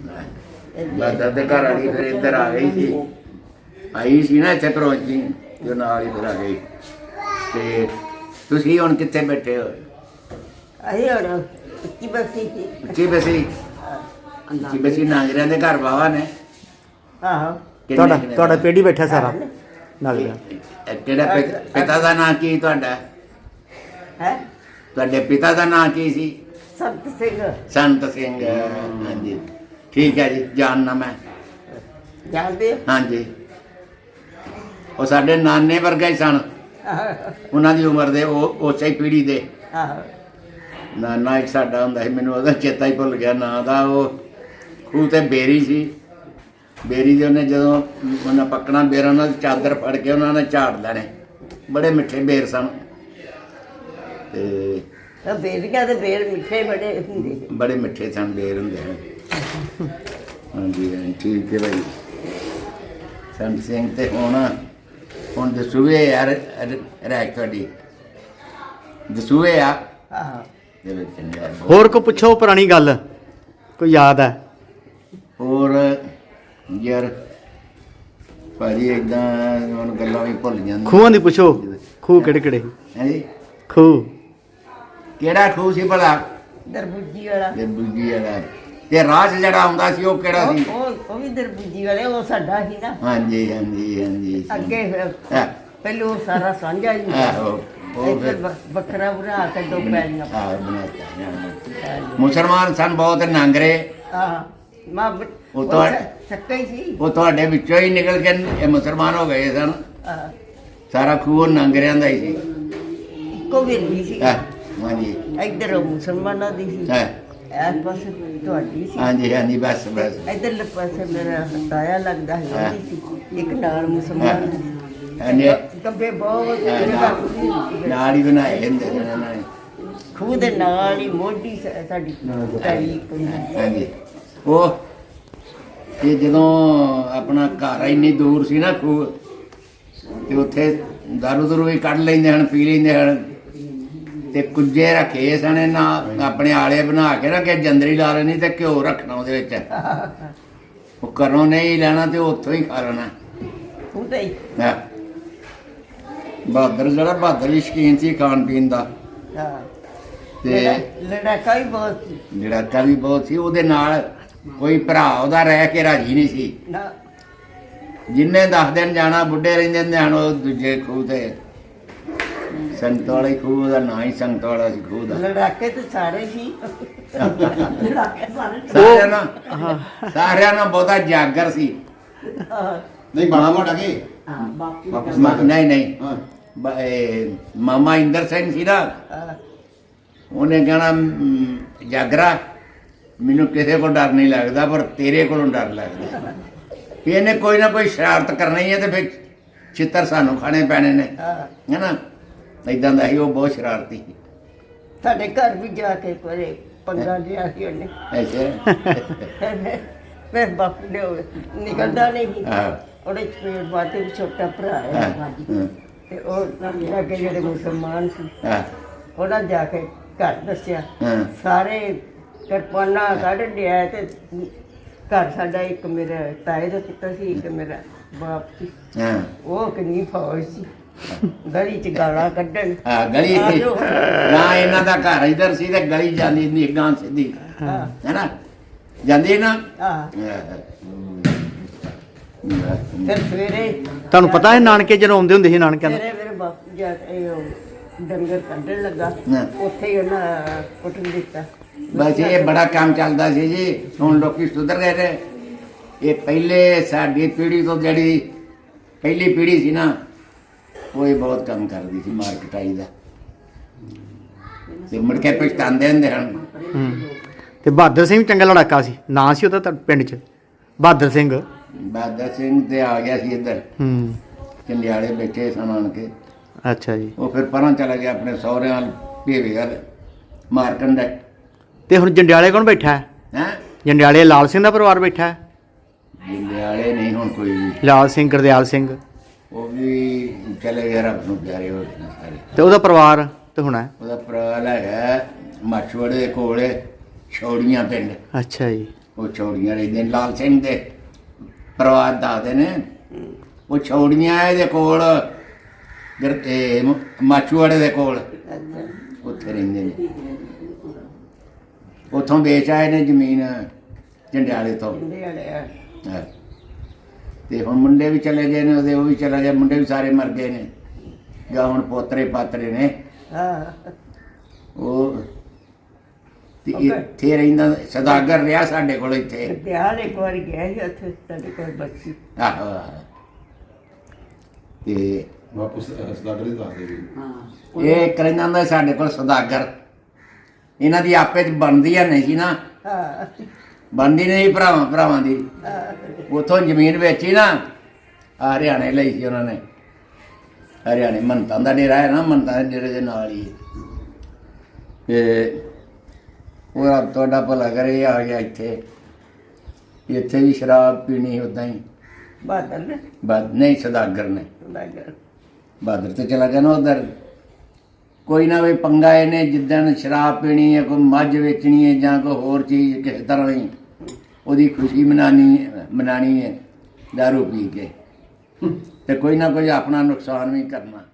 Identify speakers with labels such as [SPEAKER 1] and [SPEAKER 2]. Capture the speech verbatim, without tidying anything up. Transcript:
[SPEAKER 1] Bother ਦੇ ਘਰ ਵਾਲੀ ਫਿਰ ਇੱਧਰ ਆ ਗਈ ਸੀ, ਆਈ ਸੀ ਨਾ ਇੱਥੇ ਪਰੋਂਚੀ ਜੋ ਨਾਲ ਹੀ ਫਿਰ ਆ ਗਈ। ਤੇ ਤੁਸੀਂ ਹੁਣ ਕਿੱਥੇ ਬੈਠੇ ਹੋ?
[SPEAKER 2] ਅਸੀਂ ਹੁਣ ਉੱਚੀ ਬਸੀ ਸੀ।
[SPEAKER 1] ਉੱਚੀ ਬਸੀ? ਉੱਚੀ ਬਸੀ ਨਾਂਗਰਿਆਂ ਦੇ ਘਰ ਬਾਵਾ ਨੇ।
[SPEAKER 2] ਆਹੋ।
[SPEAKER 3] ਤੁਹਾਡਾ ਤੁਹਾਡਾ ਪੇੜੀ ਬੈਠਾ ਸਾਰਾ ਨਾਲ ਦਾ।
[SPEAKER 1] ਕਿਹੜਾ ਪਿਤਾ ਦਾ ਨਾਂ ਕੀ ਤੁਹਾਡਾ?
[SPEAKER 2] ਹੈ
[SPEAKER 1] ਤੁਹਾਡੇ ਪਿਤਾ ਦਾ ਨਾਂ ਕੀ ਸੀ?
[SPEAKER 2] ਸੰਤ ਸਿੰਘ।
[SPEAKER 1] ਸੰਤ ਸਿੰਘ, ਹਾਂਜੀ ਠੀਕ ਹੈ ਜੀ, ਜਾਣਨਾ ਮੈਂ।
[SPEAKER 2] ਜਾਣਦੇ?
[SPEAKER 1] ਹਾਂਜੀ, ਉਹ ਸਾਡੇ ਨਾਨੇ ਵਰਗਾ ਹੀ ਸਨ, ਉਹਨਾਂ ਦੀ ਉਮਰ ਦੇ, ਉਹ ਉਸੇ ਹੀ ਪੀੜ੍ਹੀ ਦੇ।
[SPEAKER 2] ਆਹੋ।
[SPEAKER 1] ਨਾਨਾ ਇੱਕ ਸਾਡਾ ਹੁੰਦਾ ਸੀ, ਮੈਨੂੰ ਉਹਦਾ ਚੇਤਾ ਹੀ ਭੁੱਲ ਗਿਆ ਨਾਂ ਦਾ। ਉਹ ਖੂਹ ਤੇ ਬੇਰੀ ਸੀ, ਬੇਰੀ ਦੇ ਉਹਨੇ ਜਦੋਂ ਉਹਨਾਂ ਪੱਕਣਾ ਬੇਰਾਂ ਨਾਲ ਚਾਦਰ ਫੜ ਕੇ ਉਹਨਾਂ ਨੇ ਝਾੜ ਲੈਣੇ। ਬੜੇ ਮਿੱਠੇ ਬੇਰ ਸਨ ਤੇ
[SPEAKER 2] ਬੇਰੀਆਂ ਦੇ ਬੇਰ ਮਿੱਠੇ ਬੜੇ ਹੁੰਦੇ,
[SPEAKER 1] ਬੜੇ ਮਿੱਠੇ ਸਨ ਬੇਰ ਹੁੰਦੇ ਹਨ। ਹਾਂਜੀ ਹਾਂਜੀ ਠੀਕ ਹੈ ਭਾਈ। ਸੰਤ ਸਿੰਘ ਤੇ ਹੁਣ ਹੁਣ ਦਸੂਏ ਯਾਰ ਰਹਿ ਤੁਹਾਡੀ ਦਸੂਏ ਆ।
[SPEAKER 2] ਆਹੋ।
[SPEAKER 1] ਚਲੋ ਚੰਗਾ।
[SPEAKER 3] ਹੋਰ ਕੋ ਪੁੱਛੋ ਪੁਰਾਣੀ ਗੱਲ ਕੋਈ ਯਾਦ ਹੈ?
[SPEAKER 1] ਹੋਰ ਯਾਰ ਭਾਜੀ ਏਦਾਂ ਹੁਣ ਗੱਲਾਂ ਵੀ ਭੁੱਲ ਜਾਂਦੀਆਂ।
[SPEAKER 3] ਖੂਹਾਂ ਦੀ ਪੁੱਛੋ, ਖੂਹ ਕਿਹੜੇ ਕਿਹੜੇ?
[SPEAKER 1] ਹੈ ਜੀ,
[SPEAKER 3] ਖੂਹ
[SPEAKER 1] ਕਿਹੜਾ ਖੂਹ ਸੀ ਭਲਾ?
[SPEAKER 2] ਦਰਬੂਜੀ ਵਾਲਾ।
[SPEAKER 1] ਦਰਬੂਜੀ ਵਾਲਾ। ਤੇ ਰਾਜ ਜਿਹੜਾ ਆਉਂਦਾ ਸੀ ਉਹ ਕਿਹੜਾ ਸੀ?
[SPEAKER 2] ਉਹ ਉਹ ਵੀ ਦਰਬੂਜੀ ਵਾਲੇ, ਉਹ ਸਾਡਾ ਸੀ ਨਾ।
[SPEAKER 1] ਹਾਂਜੀ ਹਾਂਜੀ ਹਾਂਜੀ।
[SPEAKER 2] ਅੱਗੇ ਫਿਰ
[SPEAKER 1] ਹਾਂ।
[SPEAKER 2] ਪਹਿਲਾਂ ਉਹ ਸਾਰਾ ਸਾਂਝਾ ਹੀ
[SPEAKER 1] ਆਹੋ, ਉਹ ਫਿਰ
[SPEAKER 2] ਵੱਖਰਾ ਬਣਾ ਕੇ ਦੋ ਪੈਲੀਆਂ।
[SPEAKER 1] ਆਹ ਬਣਾਤਾ। ਮੁਸਲਮਾਨ ਸਨ ਬਹੁਤ ਨਾਂਗਰੇ।
[SPEAKER 2] ਆਹ ਮਾਂ
[SPEAKER 1] ਉਹ ਤਾਂ
[SPEAKER 2] ਸੱਕਾ ਹੀ ਸੀ।
[SPEAKER 1] ਉਹ ਤੁਹਾਡੇ ਵਿੱਚੋਂ ਹੀ ਨਿਕਲ ਕੇ ਇਹ ਮੁਸਲਮਾਨ ਹੋ ਗਏ ਸਨ।
[SPEAKER 2] ਆਹ
[SPEAKER 1] ਸਾਰਾ ਖੂਹ ਨਾਂਗਰਿਆਂ ਦਾ ਹੀ ਸੀ।
[SPEAKER 2] ਇੱਕੋ ਵੇਲੀ ਸੀ।
[SPEAKER 1] ਹਾਂ ਹਾਂਜੀ
[SPEAKER 2] ਇੱਧਰ ਮੁਸਲਮਾਨਾਂ ਦੀ ਸੀ,
[SPEAKER 1] ਹਾਂ
[SPEAKER 2] ਇਸ ਪਾਸੇ ਤੁਹਾਡੀ ਸੀ।
[SPEAKER 1] ਹਾਂਜੀ ਹਾਂਜੀ ਬਸ ਬਸ।
[SPEAKER 2] ਇੱਧਰਲੇ ਪਾਸੇ ਮੇਰਾ ਤਾਇਆ ਲੱਗਦਾ ਸੀ, ਉਹਦੀ ਸੀ। ਇੱਕ ਨਾਲ ਮੁਸਲਮਾਨ ਸੀ।
[SPEAKER 1] ਇਹਨੇ
[SPEAKER 2] ਗੱਬੇ ਬਹੁਤ
[SPEAKER 1] ਨਾਲ ਹੀ ਬਣਾਏ ਹੁੰਦੇ ਨੇ ਇਹਨਾਂ ਨੇ।
[SPEAKER 2] ਖੂਹ ਦੇ ਨਾਲ ਹੀ ਮੋਢੀ ਸ- ਸਾਡੀ ਤਾਈ ਕੋਈ।
[SPEAKER 1] ਹਾਂਜੀ ਉਹ ਤੇ ਜਦੋਂ ਆਪਣਾ ਘਰ ਇੰਨੀ ਦੂਰ ਸੀ ਨਾ ਖੂਹ, ਤੇ ਉੱਥੇ ਦਾਰੂ ਦਰੂ ਵੀ ਕੱਢ ਲੈਂਦੇ ਹਨ, ਪੀ ਲੈਂਦੇ ਹਨ। ਤੇ ਕੁੱਜੇ ਰੱਖੇ ਸਨ ਇਹਨਾਂ ਆਪਣੇ ਆਲੇ ਬਣਾ ਕੇ ਨਾ, ਕਿ ਜੰਦਰੀ ਲਾ ਲੈਣੀ ਤੇ ਘਿਓ ਰੱਖਣਾ ਉਹਦੇ ਵਿੱਚ। ਉਹ ਘਰੋਂ ਨਹੀਂ ਲੈਣਾ ਤੇ ਉੱਥੋਂ ਹੀ ਖਾ ਲੈਣਾ।
[SPEAKER 2] ਖੂਹ ਤੇ ਹੀ।
[SPEAKER 1] ਹਾਂ। ਬਹਾਦਰ ਜਿਹੜਾ ਬਹਾਦਰ ਹੀ ਸ਼ੌਕੀਨ ਸੀ ਖਾਣ ਪੀਣ ਦਾ।
[SPEAKER 2] ਹਾਂ।
[SPEAKER 1] ਤੇ
[SPEAKER 2] ਲੜਾਕਾ ਵੀ ਬਹੁਤ ਸੀ।
[SPEAKER 1] ਲੜਾਕਾ ਵੀ ਬਹੁਤ ਸੀ। ਉਹਦੇ ਨਾਲ ਕੋਈ ਭਰਾ ਉਹਦਾ ਰਹਿ ਕੇ ਰਾਜੀ ਨਹੀਂ ਸੀ।
[SPEAKER 2] ਨਾ
[SPEAKER 1] ਜਿੰਨੇ ਦਸ ਦਿਨ ਜਾਣਾ ਬੁੱਢੇ ਰਹਿੰਦੇ ਹੁੰਦੇ ਹਨ ਉਹ ਦੂਜੇ ਖੂਹ ਤੇ। ਸੰਤ ਵਾਲੇ ਖੂਹ ਦਾ ਨਾਂ ਹੀ ਸੰਤ ਵਾਲਾ ਸੀ ਖੂਹ ਦਾ।
[SPEAKER 2] ਲੜਾਕੇ ਤੇ ਸਾਰੇ ਸੀ। ਲੜਾਕੇ ਸਾਰੇ
[SPEAKER 1] ਸਾਰਿਆਂ ਨਾਲ ਸਾਰਿਆਂ ਨਾਲ ਬਹੁਤਾ ਜਾਗਰ ਸੀ।
[SPEAKER 4] ਨਹੀਂ ਬਾਣਾ ਮੋਟਾ ਕੀ
[SPEAKER 2] ਹਾਂ ਬਾਪੂ
[SPEAKER 4] ਵਾਪਸ
[SPEAKER 1] ਮਾ- ਨਹੀਂ ਨਹੀਂ
[SPEAKER 4] ਹਾਂ
[SPEAKER 1] ਬ- ਇਹ ਮਾਮਾ ਇੰਦਰ ਸਿੰਘ ਸੀ ਨਾ,
[SPEAKER 2] ਹਾਂ।
[SPEAKER 1] ਉਹਨੇ ਕਹਿਣਾ "ਮ, ਜਾਗਰਾ ਮੈਨੂੰ ਕਿਸੇ ਕੋਲ ਡਰ ਨਹੀਂ ਲੱਗਦਾ, ਪਰ ਤੇਰੇ ਕੋਲੋਂ ਡਰ ਲੱਗਦਾ। ਵੀ ਇਹਨੇ ਕੋਈ ਨਾ ਕੋਈ ਸ਼ਰਾਰਤ ਕਰਨੀ ਹੈ ਤੇ ਫਿਰ ਚਿੱਤਰ ਸਾਨੂੰ ਖਾਣੇ ਪੈਣੇ ਨੇ,
[SPEAKER 2] ਹਾਂ।
[SPEAKER 1] ਹੈ ਨਾ। ਏਦਾਂ ਦਾ ਸੀ ਉਹ, ਬਹੁਤ ਸ਼ਰਾਰਤੀ ਸੀ।
[SPEAKER 2] ਸਾਡੇ ਘਰ ਵੀ ਜਾ ਕੇ ਕੋਈ ਪੰਗਾ ਲਿਆ ਸੀ ਉਹਨੇ।
[SPEAKER 1] ਅੱਛਾ
[SPEAKER 2] ਮੈਂ ਬਾਪੂ ਨੇ ਉਹ ਨਿਕਲਦਾ ਨਹੀਂ ਸੀ।
[SPEAKER 1] ਹਾਂ।
[SPEAKER 2] ਉਹਦੇ ਚਪੇੜ ਬਾਤੇ ਵੀ ਛੋਟਾ ਭਰਾ ਹੈ
[SPEAKER 1] ਹਾਂ,
[SPEAKER 2] ਬਾਜੀ।
[SPEAKER 1] ਹਾਂ।
[SPEAKER 2] ਤੇ ਉਹ ਲੱਗੇ ਜਿਹੜੇ ਮੁਸਲਮਾਨ ਸੀ,
[SPEAKER 1] ਹਾਂ
[SPEAKER 2] ਉਹਨਾਂ ਜਾ ਕੇ ਘਰ ਦੱਸਿਆ।
[SPEAKER 1] ਹਾਂ
[SPEAKER 2] ਸਾਰੇ ਕਿਰਪਾਨਾਂ ਕੱਢ ਲਿਆ ਤੇ ਘਰ ਸਾਡਾ ਇੱਕ ਮੇਰਾ ਤਾਏ ਦਾ ਪੁੱਤਰ ਸੀ, ਇੱਕ ਮੇਰਾ ਬਾਪ ਸੀ।
[SPEAKER 1] ਹਾਂ
[SPEAKER 2] ਉਹ ਕਿੰਨੀ ਫੌਜ ਸੀ, ਗਲੀ ਚ ਗਾਲਾਂ ਕੱਢਣ।
[SPEAKER 1] ਹਾਂ ਗਲੀ
[SPEAKER 2] ਆ ਜਾਓ।
[SPEAKER 1] ਨਾ ਇਹਨਾਂ ਦਾ ਘਰ ਇਧਰ ਸੀ ਤੇ ਗਲੀ ਜਾਂਦੀ ਹੁੰਦੀ ਗਾਂ ਸਿੱਧੀ,
[SPEAKER 2] ਹਾਂ
[SPEAKER 1] ਹੈ ਨਾ, ਜਾਂਦੀ ਨਾ।
[SPEAKER 2] ਹਾਂ। ਫਿਰ ਸਵੇਰੇ
[SPEAKER 3] ਤੁਹਾਨੂੰ ਪਤਾ ਹੈ ਨਾਨਕੇ ਜਦੋਂ ਆਉਂਦੇ ਹੁੰਦੇ ਸੀ ਨਾਨਕਿਆਂ
[SPEAKER 2] ਸਵੇਰੇ ਮੇਰੇ ਬਾਪੂ ਜਾ ਕੇ ਉਹ ਡੰਗਰ ਕੱਢਣ ਲੱਗਾ,
[SPEAKER 1] ਹਾਂ।
[SPEAKER 2] ਉੱਥੇ ਹੀ ਉਹਨਾਂ ਕੁੱਟਣ ਦਿੱਤਾ।
[SPEAKER 1] ਬਸ ਇਹ ਬੜਾ ਕੰਮ ਚੱਲਦਾ ਸੀ ਜੀ। ਹੁਣ ਲੋਕੀ ਸੁਧਰ ਗਏ ਨੇ। ਇਹ ਪਹਿਲੇ ਸਾਡੀ ਪੀੜ੍ਹੀ ਤੋਂ ਜਿਹੜੀ ਪਹਿਲੀ ਪੀੜ੍ਹੀ ਸੀ ਨਾ, ਉਹ ਇਹ ਬਹੁਤ ਕੰਮ ਕਰਦੀ ਸੀ ਮਾਰ ਕਟਾਈ ਦਾ, ਤੇ ਮੁੜ ਕੇ ਪਛਤਾਉਂਦੇ ਹੁੰਦੇ ਹਨ।
[SPEAKER 3] ਹੂੰ। ਤੇ ਬਹਾਦਰ ਸਿੰਘ ਚੰਗਾ ਲੜਾਕਾ ਸੀ, ਨਾਂ ਸੀ ਉਹਦਾ ਤੁਹਾਡੇ ਪਿੰਡ 'ਚ ਬਹਾਦਰ ਸਿੰਘ।
[SPEAKER 1] ਬਹਾਦਰ ਸਿੰਘ ਤੇ ਆ ਗਿਆ ਸੀ ਇੱਧਰ,
[SPEAKER 3] ਹੂੰ।
[SPEAKER 1] ਚੰਡਿਆਲੇ ਬੈਠੇ ਸਨ ਆਣ ਕੇ।
[SPEAKER 3] ਅੱਛਾ ਜੀ।
[SPEAKER 1] ਉਹ ਫਿਰ ਪਰਾਂ ਚਲਾ ਗਿਆ ਆਪਣੇ ਸਹੁਰਿਆਂ ਨਾਲ ਭੇਵੇ ਗੱਲ ਮਾਰਕਣ ਦਾ।
[SPEAKER 3] ਤੇ ਹੁਣ ਜੰਡਿਆਲੇ ਕੌਣ ਬੈਠਾ ਹੈ?
[SPEAKER 1] ਹੈਂ
[SPEAKER 3] ਜੰਡਿਆਲੇ ਲਾਲ ਸਿੰਘ ਦਾ ਪਰਿਵਾਰ ਬੈਠਾ ਹੈ?
[SPEAKER 1] ਜੰਡਿਆਲੇ ਨਹੀਂ ਹੁਣ ਕੋਈ ਵੀ।
[SPEAKER 3] ਲਾਲ ਸਿੰਘ, ਗੁਰਦਿਆਲ ਸਿੰਘ,
[SPEAKER 1] ਉਹ ਵੀ ਚਲੇ ਗਏ, ਰੱਬ ਨੂੰ ਪਿਆਰੇ ਹੋ ਗਏ ਨੇ ਸਾਰੇ।
[SPEAKER 3] ਤੇ ਉਹਦਾ ਪਰਿਵਾਰ ਤੇ ਹੋਣਾ ਹੈ?
[SPEAKER 1] ਉਹਦਾ ਭਰਾ ਹੈਗਾ ਮਾਛਵੜੇ ਦੇ ਕੋਲ ਛੌੜੀਆਂ ਪਿੰਡ,
[SPEAKER 3] ਅੱਛਾ ਜੀ।
[SPEAKER 1] ਉਹ ਛੋੜੀਆਂ ਰਹਿੰਦੇ ਨੇ। ਲਾਲ ਸਿੰਘ ਦੇ ਪਰਿਵਾਰ ਦੱਸਦੇ ਨੇ ਉਹ ਛੋੜੀਆਂ ਇਹਦੇ ਕੋਲ ਗੁਰ- ਇਹ ਮ- ਮਾਛੂਵਾੜੇ ਦੇ ਕੋਲ
[SPEAKER 2] ਅੱਛਾ
[SPEAKER 1] ਉੱਥੇ ਰਹਿੰਦੇ ਨੇ। ਉੱਥੋਂ ਵੇਚ ਆਏ ਨੇ ਜ਼ਮੀਨ ਜੰਡਿਆਲੇ ਤੋਂ।
[SPEAKER 2] ਹੁੰਦੇ ਵਾਲੇ ਆ
[SPEAKER 1] ਹਾਂ। ਤੇ ਹੁਣ ਮੁੰਡੇ ਵੀ ਚਲੇ ਗਏ ਨੇ ਉਹਦੇ, ਉਹ ਵੀ ਚਲੇ ਗਏ, ਮੁੰਡੇ ਵੀ ਸਾਰੇ ਮਰ ਗਏ ਨੇ। ਜਾਂ ਹੁਣ ਪੋਤਰੇ ਪਾਤਰੇ ਨੇ
[SPEAKER 2] ਹਾਂ
[SPEAKER 1] ਉਹ। ਤੇ
[SPEAKER 2] Okay.
[SPEAKER 1] ਇੱਥੇ ਰਹਿੰਦਾ ਸਦਾਗਰ ਰਿਹਾ ਸਾਡੇ ਕੋਲ ਇੱਥੇ।
[SPEAKER 2] ਵਿਆਹ ਇੱਕ ਵਾਰ ਗਿਆ ਸੀ ਉੱਥੇ ਸਾਡੇ ਕੋਲ ਬੱਚੀ
[SPEAKER 1] ਆਹੋ ਆਹੋ। ਤੇ
[SPEAKER 4] ਵਾਪਸ ਸਦਾਗਰ ਦੇ ਦੱਸਦੇ ਵੀ
[SPEAKER 1] ਇਹ ਕਹਿੰਦਾ ਹੁੰਦਾ ਸਾਡੇ ਕੋਲ ਸਦਾਗਰ। ਇਹਨਾਂ ਦੀ ਆਪੇ ਚ ਬਣਦੀ ਆ ਨਹੀਂ ਸੀ ਨਾ,
[SPEAKER 2] ਹਾਂ
[SPEAKER 1] ਬਣਦੀ ਨਹੀਂ ਭਰਾਵਾਂ ਭਰਾਵਾਂ ਦੀ।
[SPEAKER 2] ਹਾਂ
[SPEAKER 1] ਉਥੋਂ ਜ਼ਮੀਨ ਵੇਚੀ ਨਾ, ਆ ਹਰਿਆਣੇ ਲਈ ਸੀ ਉਹਨਾਂ ਨੇ। ਹਰਿਆਣੇ ਮੰਨਤਾਂ ਦਾ ਡੇਰਾ ਹੈ ਨਾ, ਮੰਨਤਾਂ ਦੇ ਡੇਰੇ ਦੇ ਨਾਲ ਹੀ। ਤੇ ਉਹ ਰੱਬ ਤੁਹਾਡਾ ਭਲਾ ਕਰੇ, ਆ ਗਿਆ ਇੱਥੇ। ਇੱਥੇ ਵੀ ਸ਼ਰਾਬ ਪੀਣੀ ਉਦਾਂ ਹੀ।
[SPEAKER 2] ਬਾਦਲ ਨੇ
[SPEAKER 1] ਬਦ ਨਹੀਂ ਸਦਾਗਰ ਨੇ।
[SPEAKER 2] ਸੌਦਾਗਰ।
[SPEAKER 1] ਬਹਾਦਰ ਤੇ ਚਲਾ ਗਿਆ ਨਾ ਉਧਰ। ਕੋਈ ਨਾ ਕੋਈ ਪੰਗਾ ਇਹਨੇ, ਜਿੱਦਣ ਸ਼ਰਾਬ ਪੀਣੀ ਹੈ, ਕੋਈ ਮੱਝ ਵੇਚਣੀ ਹੈ ਜਾਂ ਕੋਈ ਹੋਰ ਚੀਜ਼ ਕਿਸੇ ਤਰ੍ਹਾਂ ਦੀ, ਉਹਦੀ ਖੁਸ਼ੀ ਮਨਾਣੀ ਮਨਾਣੀ ਹੈ ਦਾਰੂ ਪੀ ਕੇ। ਤੇ ਕੋਈ ਨਾ ਕੋਈ ਆਪਣਾ ਨੁਕਸਾਨ ਵੀ ਕਰਨਾ।